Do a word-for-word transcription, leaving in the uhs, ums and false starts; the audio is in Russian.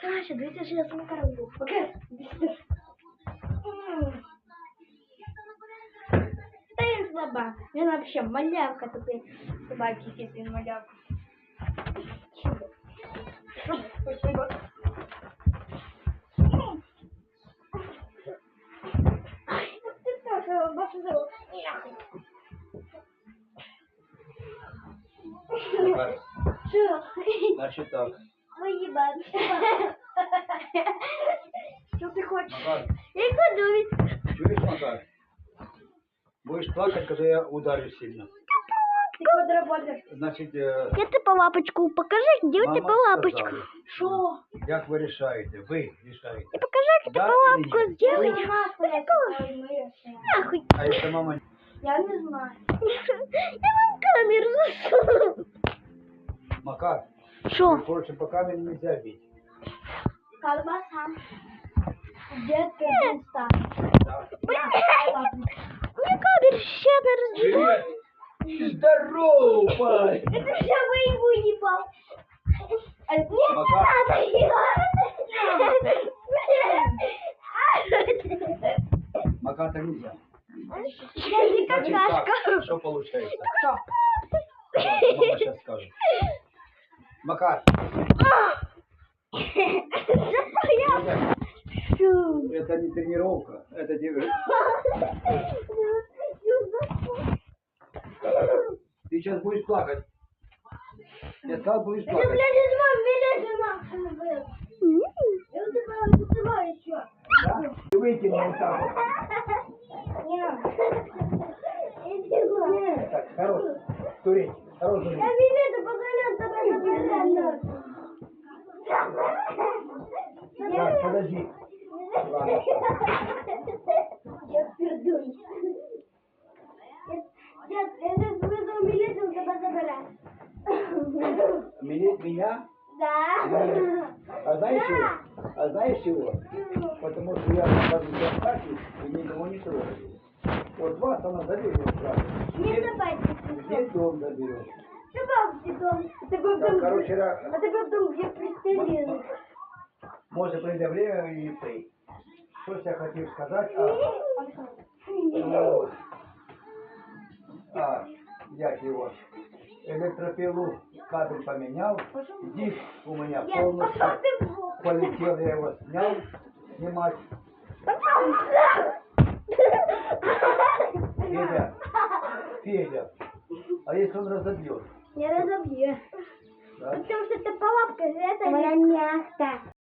Саша, дивіться, що я з Макаром був. Окей? Та він слаба. Він вообще малявка тупий. Собаки якийсь він малявка. Спасибо. Ты тоже, Боже, зовут. Что? Значит так. Выебать. Что ты хочешь? Макар, Я иду ведь. чуешь, Макар? Будешь плакать, когда я ударю сильно. Ты подработаешь. Значит, э, Где ты по лапочку? Покажи, где у мама тебя лапочка. сказала, Что? Як ви рішаєте? Ви рішаєте. Ты покажи, как Да ты по или лапку нет? сделаешь. Нахуй. А якщо мама... Я не знаю. Я вам камеру засуну. Макар, Что? короче, по камере нельзя бить. Колбаса. Где ты места? Да. Мне камеру еще раз. Привет! Здорово, парень! Это все моему ебал. Нет, не Макар. надо. Макар, так нельзя. Я не Значит какашка. так, что получается? Что? Давай, мама сейчас скажет. Макар, это, это не тренировка, это тебе... Ты сейчас будешь плакать. Я сказал, будешь Это, плакать. блядь, из моего билета нахуй был. Я вот такая вызываю еще. Да? Ты выкинул вот так вот. Не надо. Иди нахуй. Так, хорош. Турень, хорош. Я билеты погонял, давай забирай. Так, подожди. Ладно. Я пердусь. Дед, я сейчас вызову милицию, тебя забирать. Меня? меня? Да. А знаешь чего? А знаешь чего? Потому что я нахожусь в атаке и никого не трогаю. Вот вас она заберет сразу. Не давайте. Где дом заберет? Добавьте дом. Это был Так, дом, короче, ра- это был дом, где пристрелили. может прийде время и ты. Что я хотел сказать? А, ну, а, я его электропилу кабель поменял, диск у меня Нет, пошел полностью ты в жопу. полетел, я его снял снимать. Федя, Федя, а если он разобьет? Не разобью. Да? Потому что это палатка, это не мягко.